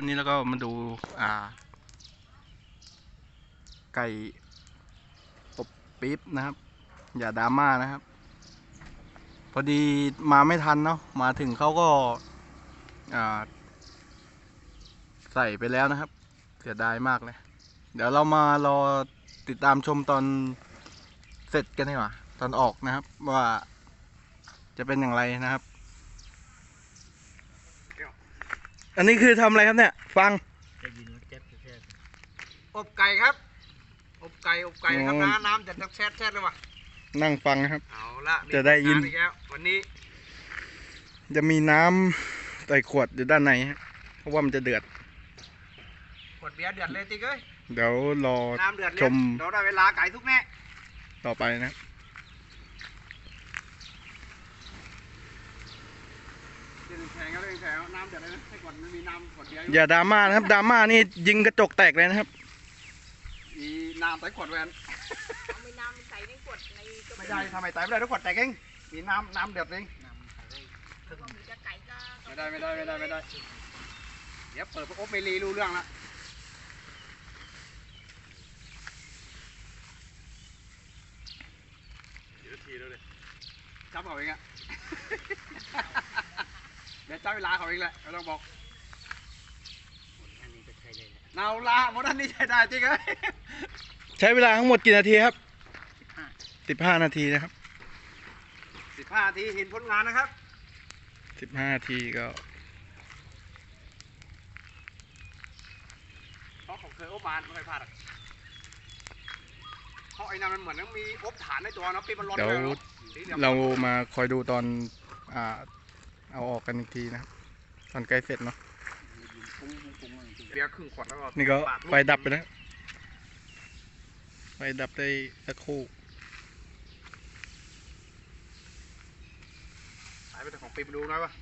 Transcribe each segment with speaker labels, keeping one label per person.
Speaker 1: นี่แล้วก็มาดูไก่อบปี๊บนะครับ อย่าดราม่านะครับ พอดีมาไม่ทันเนาะมาถึงเขาก็ใส่ไปแล้วนะครับเสียดายมากเลยเดี๋ยวเรามารอติดตามชมตอนเสร็จกันดีกว่าตอนออกนะครับว่าจะเป็นอย่างไรนะครับอันนี้คือทำอะไรครับเนี่ยฟัง
Speaker 2: อบไก่ครับอบไก่ครับน้ำจะแช่เลยว่ะ
Speaker 1: นั่งฟังนะครับ
Speaker 2: เอาละ
Speaker 1: จะได้ยิน
Speaker 2: วันนี้
Speaker 1: จะมีน้ำใส่ขวดอยู่ด้านในเพราะว่ามันจะเดือด
Speaker 2: ขวดเบียร์เดือดเลยติ๊กเอ้ย
Speaker 1: เดี๋ยวรอชม
Speaker 2: เราได้เวลาไก่ทุกแน่
Speaker 1: ต่อไปนะ
Speaker 2: แข่งน้ำเดือดเลยนะให้ก่อนมันมีน้ำขวดเบียร์
Speaker 1: อย่าดราม่านะครับดราม่านี่ยิงกระจกแตกเลยนะครับ
Speaker 2: มีน้ำใส่ขวดแวน
Speaker 3: มีน้ำใส่ในขวดใน
Speaker 2: ไม่ได้ทำไมใส่ไม่ได้ทุกขวดแตกเองมีน้ำเดือดเองไม่ได้เดี๋ยวเปิดพวกอบเมลีรู้เรื่องละจับเขาเองอะเดี๋ยวจับเวลาเขาเองแหละไม่ต้องบอกเอาละหมดอันนี้ใช้ได้จริงไหม
Speaker 1: ใช้เวลาทั้งหมดกี่นาทีครับ15 นาทีนะครับ
Speaker 2: 15 นาทีเห็นผลงานนะครับ
Speaker 1: 15 นาทีก็
Speaker 2: เพราะผมเคยอบมาไม่เคยพลาดเพราะไอ้นั่นมันเหมือนต้องมีอบฐานในตัวเนาะปีมันร้อนเลย
Speaker 1: เรามาคอยดูตอนเอาออกกันอีกทีนะครับตอนใกล้เสร็จเนาะ
Speaker 2: เบียร์ครึ่งขวดแล้วก็
Speaker 1: นี่ก็ไฟดับไปแล้วไฟดับได้สักครู่
Speaker 2: สายไปแต่ของปีมาดูหน่อยวะ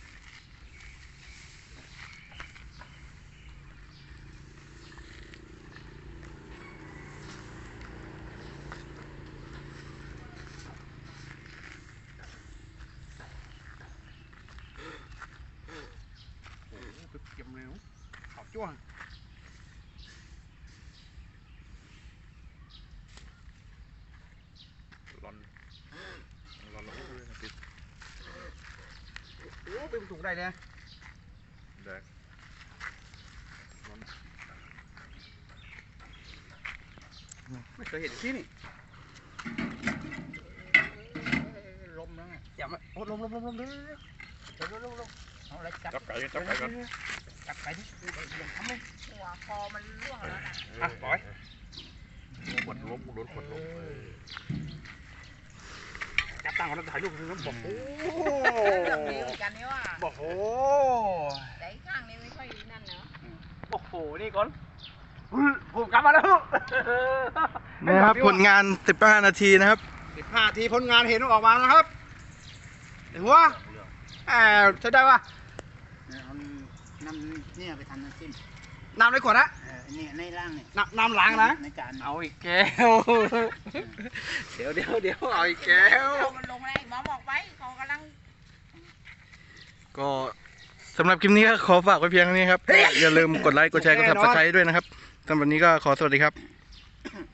Speaker 2: เก็บเร็วขอบจ้วงร้อนเลยนะพี่โอ้เป็นถุงได้เนี่ยได้ไม่เคยเห็นที่นี่ลมนะอย่ามาโอ้ลมเด้อเอาอะไรจับไก่ก่อนจับไก่ดิทำเลย
Speaker 3: หัวคอมันร่วงแล้วนะ
Speaker 2: อ่ะปล่อย
Speaker 4: ขวดล้มรถขวดล้ม
Speaker 2: จับตั้งก่อนแล้วถ่ายรูปนึงบอกโอ้
Speaker 3: มีกันนี่ว่า
Speaker 2: บอกโอ้
Speaker 3: แต่ข้างนี้ไม่ค่อยนั่นเนาะ
Speaker 2: โอ้โหนี่ก่อนผมกลับมาแล้ว
Speaker 1: นี่ครับผลงาน15 นาทีนะครับ
Speaker 2: 15 นาทีผลงานเห็นออกมานะครับเห็นหัวใช้ได้ปะ
Speaker 5: น้ำเนี่ยไปทำน้ำจิ้ม
Speaker 2: น้ำในขวดนะ
Speaker 5: นี่ในล่างเนี่ย
Speaker 2: น้ำล้างนะ
Speaker 5: ในจาน
Speaker 2: เอาอีกแก้วเดี๋ยวเอาอีกแก้ว
Speaker 3: มันลงเลยหมอบอกไปเขากำลัง
Speaker 1: ก็สำหรับคลิปนี้ก็ขอฝากไว้เพียงเท่านี้ครับอย่าลืมกดไลค์กดแชร์กด Subscribe ด้วยนะครับสำหรับวันนี้ก็ขอสวัสดีครับ